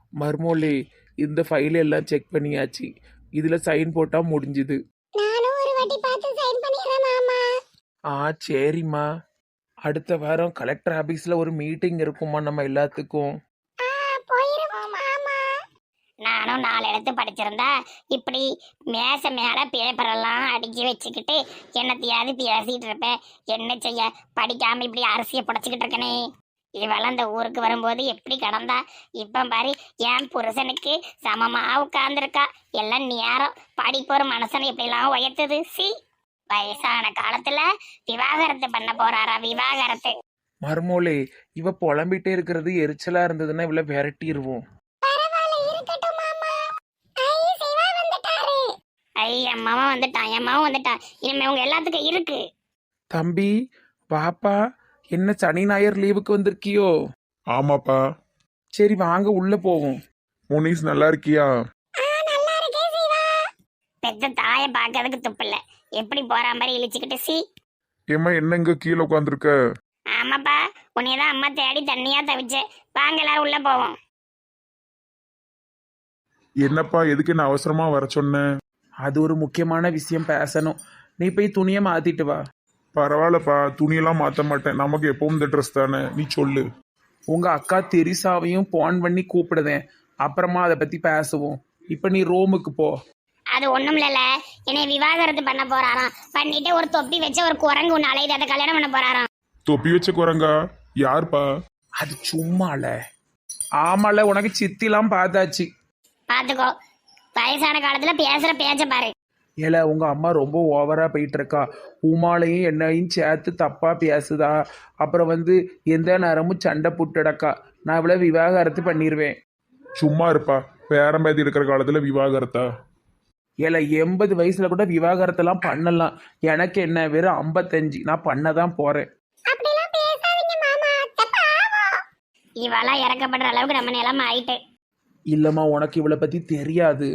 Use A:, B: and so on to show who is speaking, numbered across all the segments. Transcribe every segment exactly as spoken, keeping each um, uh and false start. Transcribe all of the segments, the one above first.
A: மர்மோலே, இந்த ஃபைல் எல்லாம் செக் பண்ணியாச்சு. இதுல சைன் போட்டா முடிஞ்சுது.
B: நானும் ஒரு வாட்டி பார்த்து சைன் பண்ணிடுறேன் மாமா.
A: ஆ சரிம்மா. அடுத்த வாரம் கலெக்டர் ஆபீஸ்ல ஒரு மீட்டிங் இருக்குமா நம்ம எல்லாத்துக்கும்.
B: ஆ போயிருவோம் மாமா. நானும் நாலு எழுத்து படிச்சிருந்தா இப்படி மேச மேல பேப்பர் எல்லாம் அடுக்கி வச்சுக்கிட்டு என்னத்தையாவது பேசிட்டு இருப்பேன். என்ன செய்ய, படிக்காம இப்படி அரிசியை புடைச்சிக்கிட்டு இருக்கனே. இவெல்லாம் இந்த ஊருக்கு வரும்போது எப்படி கடந்தா, இப்ப பாரு என் புருஷனுக்கு சமமா உட்கார்ந்துருக்கா. எல்லாம் நேரம் படிப்பு ஒரு மனுஷனை எப்படிலாம் உயர்த்துது. சி வயசான காலத்துல விவாகரத்து பண்ண போறாரா, விவாகரத்து.
A: மர்மோலே, இவ புலம்பிட்டே இருக்கிறது எரிச்சலா இருந்ததுன்னா இவள விரட்டிடுவோம்.
B: ஐ அம்மாவும் வந்துட்டான், அம்மாவும் வந்துட்டான். இனிமே உங்க எல்லாத்துக்கும் இருக்கு.
A: தம்பி பாப்பா, என்ன சனி ஞாயிறு லீவுக்கு வந்திருக்கியோ?
C: ஆமாப்பா.
A: சரி வாங்க உள்ள போவோம்.
C: முனிஸ் நல்லா இருக்கியா?
B: பெத்த தாய பாக்கிறதுக்கு துப்பில்ல, எப்படி போற மாதிரி இழிச்சுக்கிட்டு. சி
C: ஏம்மா என்ன இங்க கீழே உட்காந்துருக்க?
B: ஆமாப்பா, உன்னையதான் அம்மா தேடி தண்ணியா தவிச்சேன். வாங்க எல்லாரும் உள்ள போவோம்.
C: என்னப்பா எதுக்கு என்ன அவசரமா வர சொன்ன?
A: அது ஒரு முக்கியமான விஷயம் பேசணும். நீ போய் துணியை மாத்திட்டு வா.
C: பரவாயில்லப்பா, துணியெல்லாம் மாத்த மாட்டேன். நமக்கு எப்பவும் இந்த ட்ரெஸ் தானே, நீ சொல்லு.
A: உங்க அக்கா தெரிசாவையும் போன் பண்ணி கூப்பிடுதேன், அப்புறமா அதை பத்தி பேசுவோம். இப்ப நீ ரோமுக்கு போ.
B: அது ஒண்ணும் இல்லல, என்னை விவாகரத்து பண்ண போறாராம். பண்ணிட்டு ஒரு தொப்பி வச்ச ஒரு குரங்கு ஒண்ணு அலையுது, அதை கல்யாணம் பண்ண போறாராம்.
C: தொப்பி வச்ச குரங்கா? யாருப்பா?
A: அது சும்மால. ஆமால, உனக்கு சித்திலாம் பார்த்தாச்சு.
B: பாத்துக்கோ, வயசான காலத்துல பேசுற பேச்ச பாரு.
A: ஏல, உங்க அம்மா ரொம்ப ஓவரா போயிட்டு இருக்கா. உமாலையும் என்னையும் சேர்த்து தப்பா பேசுதா. அப்புறம் வந்து எந்த நேரமும் சண்டை புட்டடக்கா. நான் இவ்வளவு விவாகரத்து பண்ணிடுவேன்.
C: சும்மா இருப்பா, பேரம்பேதி இருக்கிற காலத்துல விவாகரத்தா?
A: ஏல, எண்பது வயசுல கூட விவாகரத்தெல்லாம் பண்ணலாம். எனக்கு என்ன, வெறும் ஐம்பத்தஞ்சு. நான் பண்ணதான் போறேன்.
B: இவெல்லாம் இறக்கப்படுற அளவுக்கு நம்ம நிலைமை ஆயிட்டு.
A: இல்லம்மா, உனக்கு இவளை பத்தி தெரியாது.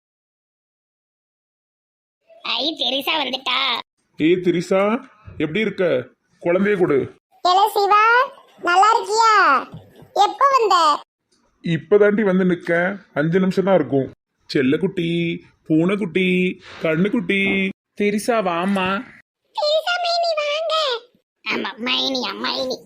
B: ஐ தெரிசா வந்துட்டா.
C: ஏய் திரிசா, எப்படி இருக்க? குழந்தைய கொடு.
B: ஏல சிவா, நல்லா இருக்கியா? எப்ப வந்த?
C: இப்பதாண்டி வந்து நிக்க. அஞ்சு நிமிஷம் தான் இருக்கும். செல்லக்குட்டி, பூனைக்குட்டி, கண்ணுக்குட்டி.
A: தெரிசா வாமா.
B: தெரிசா மைனி வாங்க. ஆமா மைனி, மைனி.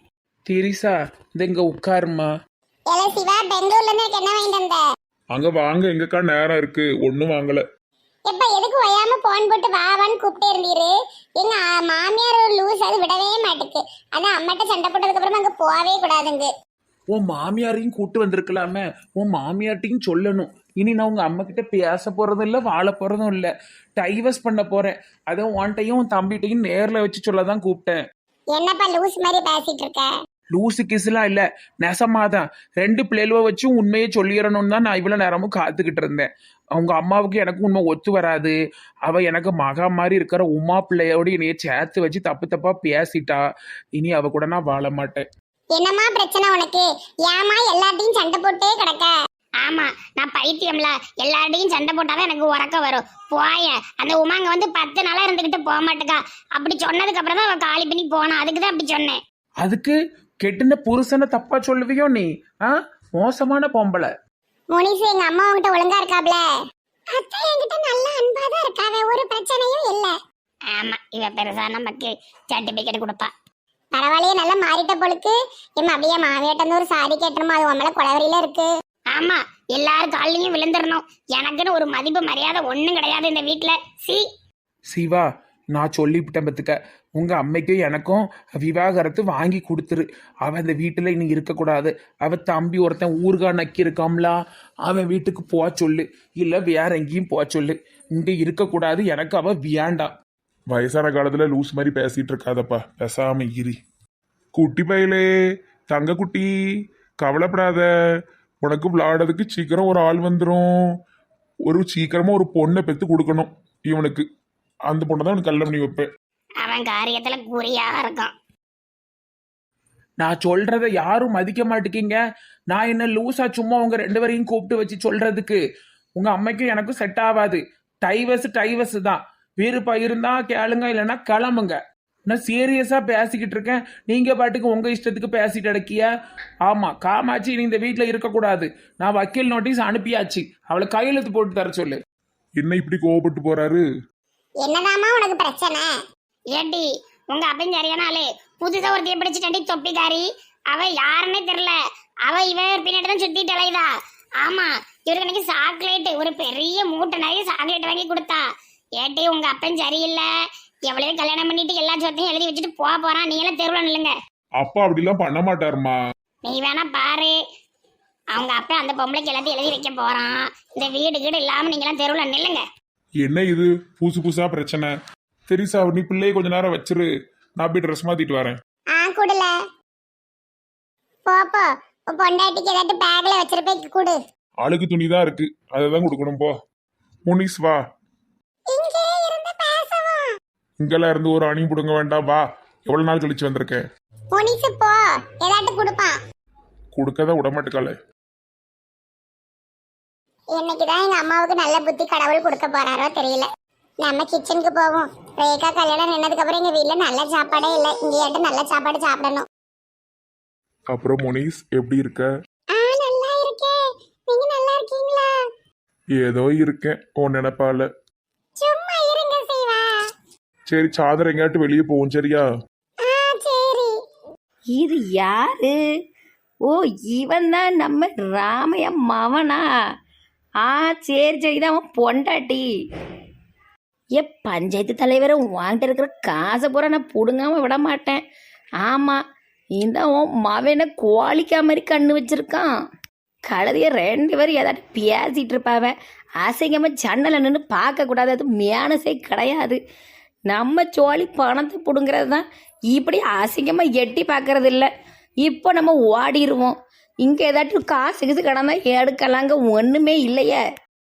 A: தெரிசா இந்த இங்க உட்காருமா.
B: ஏல சிவா, பெங்களூர்ல இருந்து என்ன வாங்கிட்டு வந்த?
C: அங்க வாங்க, எங்கக்கா நேரம் இருக்கு. ஒன்னும் வாங்கல.
B: எப்ப எதுக்கு ஒயாம போன் போட்டு வா வான்னு கூப்பிட்டே இருந்தீரு. எங்க மாமியார் ஒரு லூஸ், அது விடவே மாட்டுக்கு. அதான் அம்மாட்ட சண்டை போட்டதுக்கு அப்புறமா அங்க போகவே கூடாதுங்க.
A: உன் மாமியாரையும் கூட்டு வந்திருக்கலாமே. உன் மாமியார்ட்டையும் சொல்லணும். இனி நான் உங்க அம்மா கிட்ட பேச போறதும் இல்லை, வாழ போறதும் இல்லை. டைவர்ஸ் பண்ண போறேன். அதை உன்ட்டையும் உன் தம்பிட்டையும் நேர்ல வச்சு சொல்லதான் கூப்பிட்டேன்.
B: என்னப்பா லூஸ் மாதிரி பேசிட்டு இருக்க?
A: லூசு கிசுலாம் இல்ல, நெசமாதான். ரெண்டு பிள்ளைகளை வச்சும் உண்மையை சொல்லிடணும்னு தான் நான் இவ்வளவு நேரமும் காத்துக்கிட்டு இருந்தேன். அவங்க அம்மாவுக்கு எனக்கு உண்மை ஒத்து வராது. அவ எனக்கு மகா மாதிரி இருக்கிற உமா பிள்ளையோடு என்னைய சேர்த்து வச்சு தப்பு தப்பா பேசிட்டா. இனி அவ கூட நான் வாழ மாட்டேன்.
B: என்னம்மா பிரச்சனை உனக்கு? ஏமா எல்லாத்தையும் சண்டை போட்டே கிடக்க? ஆமா, நான் பைத்தியம்ல. எல்லார்டையும் சண்டை போட்டாதான் எனக்கு உறக்க வரும். போய அந்த உமாங்க வந்து பத்து நாளா இருந்துகிட்டு போக மாட்டேக்கா. அப்படி சொன்னதுக்கு அப்புறம் தான் அவ காலி பண்ணி போனா. அதுக்குதான் அப்படி சொன்னேன்.
A: அதுக்கு கெட்டுன புருஷனை தப்பா சொல்லுவியோ நீ? ஆ, மோசமான பொம்பளை.
B: முனிசு எங்க அம்மா உங்ககிட்ட ஒழுங்கா இருக்காப்ல? அத்தை என்கிட்ட நல்ல அன்பா தான் இருக்காவே, ஒரு பிரச்சனையும் இல்ல. ஆமா, இவ பெருசா நமக்கு சர்டிபிகேட் கொடுப்பா. பரவாயில்லையே, நல்லா மாறிட்ட பொழுது. எம்மா அப்படியே மாவியாட்ட ஒரு சாரி கேட்டணுமா, அது உன் மேல குளவரியில இருக்கு. ஆமா, எல்லாரும் காலையும் விழுந்துடணும். எனக்குன்னு ஒரு மதிப்பு மரியாதை ஒண்ணும் கிடையாது இந்த வீட்டுல. சி
A: சிவா, நான் சொல்லிவிட்டேன் பத்துக்க. உங்க அம்மைக்கும் எனக்கும் விவாகரத்து வாங்கி கொடுத்துரு. அவன் அந்த வீட்டுல இனி இருக்கக்கூடாது. அவ தம்பி ஒருத்தன் ஊர்கா நக்கி இருக்காம்லா, அவன் வீட்டுக்கு போக சொல்லு. இல்ல வேற எங்கேயும் போக சொல்லு. இங்க இருக்கக்கூடாது. எனக்கு அவ வியாண்டாம்.
C: வயசான காலத்துல லூஸ் மாதிரி பேசிட்டு இருக்காதப்பா, பேசாம இரு. குட்டி பையலே, தங்க குட்டி, கவலைப்படாத. உனக்கு விளையாடுறதுக்கு சீக்கிரம் ஒரு ஆள் வந்துடும். ஒரு சீக்கிரமா ஒரு பொண்ணை பெத்து கொடுக்கணும் இவனுக்கு. அந்த பொண்ணை தான் உனக்கு கல்யாணம் பண்ணி வைப்பேன்.
B: அவன் காரியத்துல குறியா இருக்கான்.
A: நான் சொல்றத யாரும் மதிக்க மாட்டேங்கிங்க. நான் என்ன லூசா சும்மா உங்க ரெண்டு பேரையும் கூப்பிட்டு வச்சு சொல்றதுக்கு? உங்க அம்மைக்கும் எனக்கும் செட் ஆகாது. டைவர்ஸ் டைவர்ஸ் தான். விருப்பம் இருந்தா கேளுங்க, இல்லைன்னா கிளம்புங்க. நான் சீரியஸா பேசிக்கிட்டு இருக்கேன், நீங்க பாட்டுக்கு உங்க இஷ்டத்துக்கு பேசிட்டு அடக்கியா? ஆமா, காமாட்சி நீ இந்த வீட்டுல இருக்கக்கூடாது. நான் வக்கீல் நோட்டீஸ் அனுப்பியாச்சு, அவளை கையெழுத்து போட்டு தர சொல்லு.
C: என்ன இப்படி கோவப்பட்டு போறாரு?
B: என்னதாம்மா உனக்கு பிரச்சனை? ஏண்டி உங்க அப்பன் சரியான ஆளு. புதுசா ஒருத்தைய பிடிச்சிட்டாண்டி தொப்பிக்காரி. அவ யாருன்னே தெரியல. அவ இவ பின்னாடி தான் சுத்திட்டு அலையுதா. ஆமா, இவருக்கு எனக்கு சாக்லேட், ஒரு பெரிய மூட்டை நிறைய சாக்லேட் வாங்கி கொடுத்தா. ஏட்டி உங்க அப்பன் சரியில்லை. எவ்வளவு கல்யாணம் பண்ணிட்டு எல்லா சொத்தையும் எழுதி வச்சுட்டு போக போறான். நீ எல்லாம் தெருவில் நில்லுங்க.
C: அப்பா அப்படிலாம் பண்ண மாட்டாருமா.
B: நீ வேணா பாரு, அவங்க அப்பா அந்த பொம்பளைக்கு எல்லாத்தையும் எழுதி வைக்க போறான். இந்த வீடு கீடு இல்லாம நீங்க எல்லாம் தெருவில் நில்லுங்க.
C: என்ன இது புதுசு புதுசா பிரச்சனை? தெரிசா நீ பிள்ளையை கொஞ்ச நேரம் வச்சிரு, நான் போய் ட்ரெஸ் மாத்திட்டு வரேன்.
B: ஆ குடுல போப்போ, பொண்டாட்டிக்கு ஏதாட்டு பேக்ல வச்சிருப்பே குடு.
C: அழுக்கு துணி தான் இருக்கு, அதை தான் கொடுக்கணும். போ முனிஸ் வா.
B: இங்கே இருந்து பேசவும்.
C: இங்கெல்லாம் இருந்து ஒரு அணி புடுங்க வேண்டாம், வா. எவ்வளவு நாள் கழிச்சு வந்திருக்கேன்.
B: முனிசு போ, ஏதாட்டு கொடுப்பான்.
C: கொடுக்கதான் விட மாட்டேக்கால.
B: இன்னைக்குதான் எங்க அம்மாவுக்கு நல்ல புத்தி கடவுள் கொடுக்க போறாரோ தெரியல. நம்ம கிச்சனுக்கு போவோம். ரேகா கல்யாணம் நின்னதுக்கு அப்புறம் எங்க வீட்டுல நல்ல சாப்பாடே இல்லை. இங்கேயாட்டு நல்ல சாப்பாடு சாப்பிடணும்.
C: அப்புறம் முனிஸ் எப்படி இருக்க?
B: ஆ நல்லா இருக்கேன். நீங்க நல்லா இருக்கீங்களா?
C: ஏதோ இருக்கேன் உன் நினைப்பால.
B: சும்மா இருங்க சீவா.
C: சரி, சாதர் எங்கேயாட்டு வெளியே போவோம், சரியா?
B: ஆ சரி.
D: இது யாரு? ஓ, இவன் தான் நம்ம ராமைய மவனா? ஆ சரி சரி, தான் அவன் பொண்டாட்டி. ஏ பஞ்சாயத்து தலைவரை வாங்கிட்டு இருக்கிற காசை பூரா நான் பிடுங்காம விட மாட்டேன். ஆமாம், இந்த உன் மவனை கோழிக்கா மாதிரி கண்ணு வச்சிருக்கான். கழுதைய ரெண்டு பேரும் ஏதாட்டு பேசிகிட்டு இருப்பாவ. அசிங்கமாக ஜன்னலை நின்று பார்க்கக்கூடாது, அது மேனஸே கிடையாது. நம்ம சோழி பணத்தை பிடுங்கிறது தான். இப்படி அசிங்கமாக எட்டி பார்க்கறது இல்லை. இப்போ நம்ம ஓடிடுவோம். இங்கே ஏதாட்டும் காசு கிசு கிடந்தா எடுக்கலாங்க, ஒன்றுமே இல்லையே.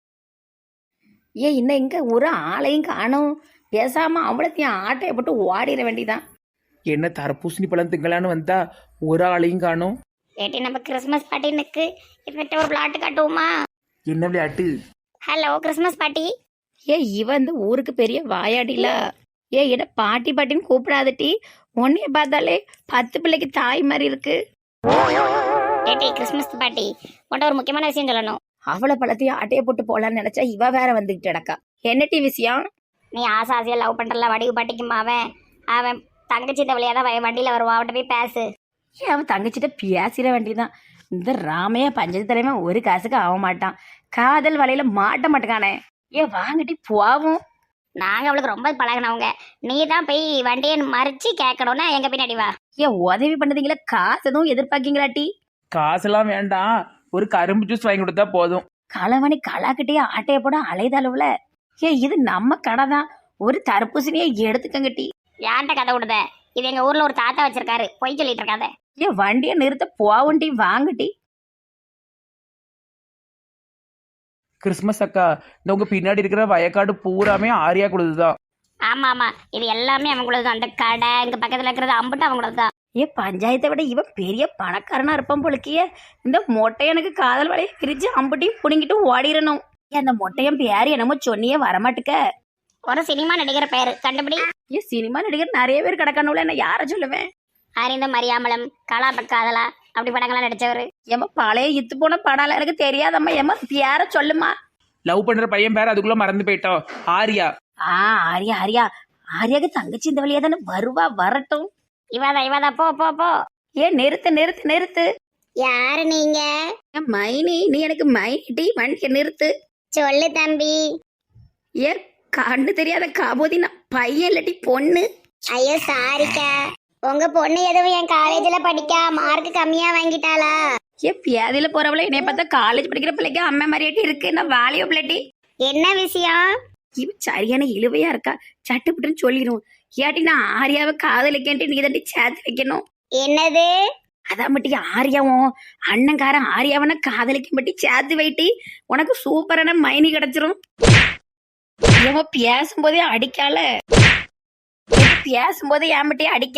D: ஏ இன்னும் இங்கே ஒரு ஆளையும் காணும். பேசாமல் அவ்வளோத்தையும் ஆட்டையை போட்டு ஓடிட வேண்டிதான்.
A: என்ன தரப்பூசணி பழம் திங்களான்னு வந்தா ஒரு ஆளையும் காணும்.
B: ஏட்டி நம்ம கிறிஸ்மஸ் பார்ட்டினுக்கு இவன்கிட்ட ஒரு விளையாட்டு காட்டுவோமா?
A: என்ன விளையாட்டு?
B: Hello Christmas party.
D: ஏ இவன் இந்த ஊருக்கு பெரிய வாயாடில. ஏ என்ன பாட்டி பாட்டின்னு கூப்பிடாதட்டி. உன்னைய பார்த்தாலே பத்து பிள்ளைக்கு தாய் மாதிரி இருக்கு.
B: ஏட்டி கிறிஸ்மஸ் பார்ட்டி உன்ட்ட ஒரு முக்கியமான விஷயம் சொல்லணும்.
D: அவளை பழத்தையும் ஆட்டையை போட்டு போலான்னு நினைச்சா இவ வேற வந்துகிட்டு கிடக்கா. என்னட்டி விஷயம்?
B: நீ ஆசை ஆசையா லவ் பண்றல வடிவு பாட்டிக்குமா? அவன் அவன் தங்கச்சி தவளையா தான் வண்டியில வருவான். அவட்ட போய் பேசு.
D: ஏன் அவன் தங்கச்சிட்ட பேசிட வேண்டியதான். இந்த ராமையா பஞ்சத்து தலைவன் ஒரு காசுக்கு ஆக மாட்டான். காதல் வலையில மாட்ட மாட்டேக்கானே. ஏன் வாங்கிட்டு போவோம்.
B: நாங்க அவளுக்கு ரொம்ப பழகினவங்க. நீ தான் போய் வண்டியை மறிச்சு கேட்கணும்னா எங்க பின்னாடி வா.
D: ஏன் உதவி பண்ணதுங்களா? காசு எதுவும் எதிர்பார்க்கீங்களாட்டி?
A: காசெல்லாம் வேண்டாம், ஒரு கரும்பு ஜூஸ் வாங்கி கொடுத்தா போதும்.
D: களவணி களாக்கிட்டே ஆட்டைய போட அலைதளவுல. ஏ இது நம்ம கடை தான். ஒரு தர்பூசணியை எடுத்துக்கங்கட்டி.
B: யார்கிட்ட கதை விடுத? இது எங்க ஊர்ல ஒரு தாத்தா வச்சிருக்காரு, பொய் சொல்லிட்டு இருக்காத.
D: ஏன் வண்டியை நிறுத்த போவண்டி வாங்கட்டி.
A: கிறிஸ்மஸ் அக்கா, இந்த உங்க பின்னாடி இருக்கிற வயக்காடு பூராமே ஆரியா கொடுத்துதான்.
B: ஆமா ஆமா, இது எல்லாமே அவங்களது தான். அந்த கடை இங்க பக்கத்துல இருக்கிறது அம்புட்டு அவங்களது தான்.
D: ஏ பஞ்சாயத்தை விட இவன் பெரிய பணக்காரனா இருப்பான் போலுக்கிய. இந்த மொட்டை எனக்கு காதல் வலையை பிரிச்சு அம்புட்டியும் புடுங்கிட்டு ஓடிடணும். ஏன் அந்த மொட்டையன் பேரு என்னமோ சொன்னியே வரமாட்டுக்க.
B: ஒரு சினிமா நடிகர் பேரு கண்டுபிடி.
D: ஏன் சினிமா நடிகர் நிறைய பேர் கிடக்கணும்ல, என்ன யார சொல்லுவேன்?
B: அறிந்த மரியாமலம், காலா பக்காதலா அப்படி படங்கள்லாம் நடிச்சவரு.
D: ஏமா பழைய இத்து போன படம் எனக்கு தெரியாதம்மா. ஏமா பேர சொல்லுமா.
A: லவ் பண்ற பையன் பேர் அதுக்குள்ள மறந்து போயிட்டோம். ஆரியா.
D: ஆ ஆரியா ஆரியா ஆரியாக்கு தங்கச்சி இந்த வழியா தானே வருவா. வரட்டும்.
B: இவாதா இவாதா போ போ போ.
D: ஏன் நிறுத்து நிறுத்து நிறுத்து.
B: யாரு நீங்க?
D: ஏன் மைனி, நீ எனக்கு மைனிட்டி வண்டியை நிறுத்து.
B: சொல்லு தம்பி.
D: ஏ கண்ணு தெரியாத காபோதி, நான் பையன் இல்லாட்டி பொண்ணு.
B: ஐயோ சாரிக்கா, உங்க பொண்ணு எதுவும் என் காலேஜ்ல படிக்கா மார்க் கம்மியா வாங்கிட்டாளா?
D: ஏ பியாதியில போறவள என்னைய பார்த்தா காலேஜ் படிக்கிற பிள்ளைக்கு அம்மா மாதிரியாட்டி இருக்கு. நான் வாலியோ பிள்ளைட்டி.
B: என்ன விஷயம்?
D: இவ சரியான இழுவையா இருக்கா. சட்டுப்புட்டுன்னு சொல்லிடும். ஏட்டி நான் ஆரியாவை காதலிக்கேன்ட்டு நீ தண்டி சேர்த்து வைக்கணும்.
B: என்னது?
D: அதான் மட்டி ஆரியாவும் அண்ணங்காரன் ஆரியாவன காதலிக்க மட்டி சேர்த்து வைட்டி. உனக்கு சூப்பரான மைனி கிடைச்சிரும். ஏமா பேசும்போதே அடிக்கால. பேசும்போதே ஏன் மட்டி அடிக்க?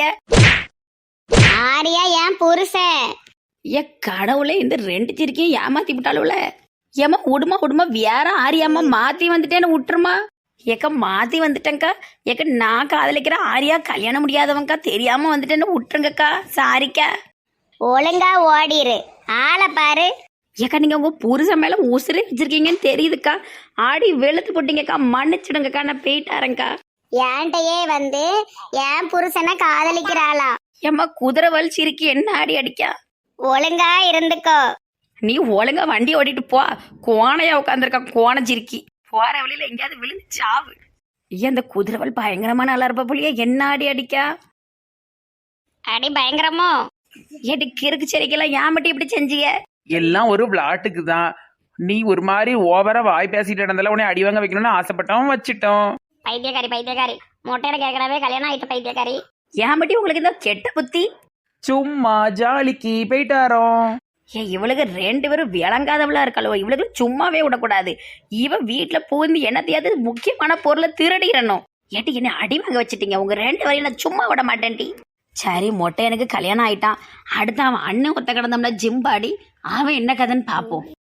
B: ஆரியா என் புருஷன்.
D: ஏ கடவுளே, இந்த ரெண்டு சிரிக்கையும் ஏமாத்தி விட்டாளுல. ஏமா உடுமா உடுமா வேற ஆரியாமா மாத்தி வந்துட்டேன்னு விட்டுருமா. ஏக்கா மாற்றி வந்துட்டேங்க்கா. ஏக்கா நான் காதலிக்கிற ஆரியா கல்யாணம் முடியாதவங்க்கா, தெரியாமல் வந்துட்டேன்னு விட்டுருங்கக்கா. சாரிக்கா.
B: ஒழுங்கா ஓடிரு, ஆளை பாரு.
D: ஏக்கா நீங்கள் உங்கள் புருஷன் மேலே உசுரே வச்சிருக்கீங்கன்னு தெரியுதுக்கா. ஆடி வெளுத்து போட்டீங்கக்கா, மன்னிச்சிடுங்கக்கா. நான் போயிட்டாரேங்க்கா.
B: ஏன்ட்டையே வந்து என் புருஷனை காதலிக்கிறாளா?
D: ஏம்மா குதிரை வலிச்சிருக்கி என்ன ஆடி அடிக்கா?
B: ஒழுங்கா இருந்துக்கோ.
D: நீ ஒழுங்கா வண்டி ஓட்டிட்டு போ. கோணையா உட்காந்துருக்கா கோணச்சிருக்கி. போற வழியில எங்கேயாவது விழுந்து சாவு. ஐயா அந்த குதிரைவல் பயங்கரமா நல்லா இருப்ப புள்ளியா, என்ன ஆடி அடிக்கா?
B: அடி பயங்கரமோ?
D: ஏடி கிறுக்கு செடிக்கெல்லாம் ஏன் மட்டும் இப்படி செஞ்சிய?
A: எல்லாம் ஒரு விளாட்டுக்கு தான். நீ ஒரு மாதிரி ஓவரா வாய் பேசிட்டு நடந்தால உன்னை அடி வாங்க வைக்கணும்னு ஆசைப்பட்டோம், வச்சிட்டோம்.
B: பைத்தியக்காரி பைத்தியக்காரி, மொட்டையில கேட்கறவே கல்யாணம் ஆயிட்ட பைத்தியக்காரி.
D: ஏன் மட்டும் உங்களுக்கு இந்த கெட்ட புத்தி?
A: சும்மா ஜாலிக்கு போயிட்டாரோம்.
D: ஏ இவளுக்கு ரெண்டு பேரும் விளங்காதவளா இருக்காளோ, இவளுக்கு சும்மாவே விடக்கூடாது. இவ வீட்டுல பூந்து என்னத்தையாவது முக்கியமான பொருளை திருடிடணும். ஏட்டி என்ன அடி வாங்க வச்சுட்டீங்க, உங்க ரெண்டு வரையும் நான் சும்மா விட மாட்டேன்டி. சரி மொட்டை எனக்கு கல்யாணம் ஆயிட்டான். அடுத்து அவன் அண்ணன் ஒத்த கிடந்தோம்னா ஜிம்பாடி, அவன் என்ன கதைன்னு பார்ப்போம்.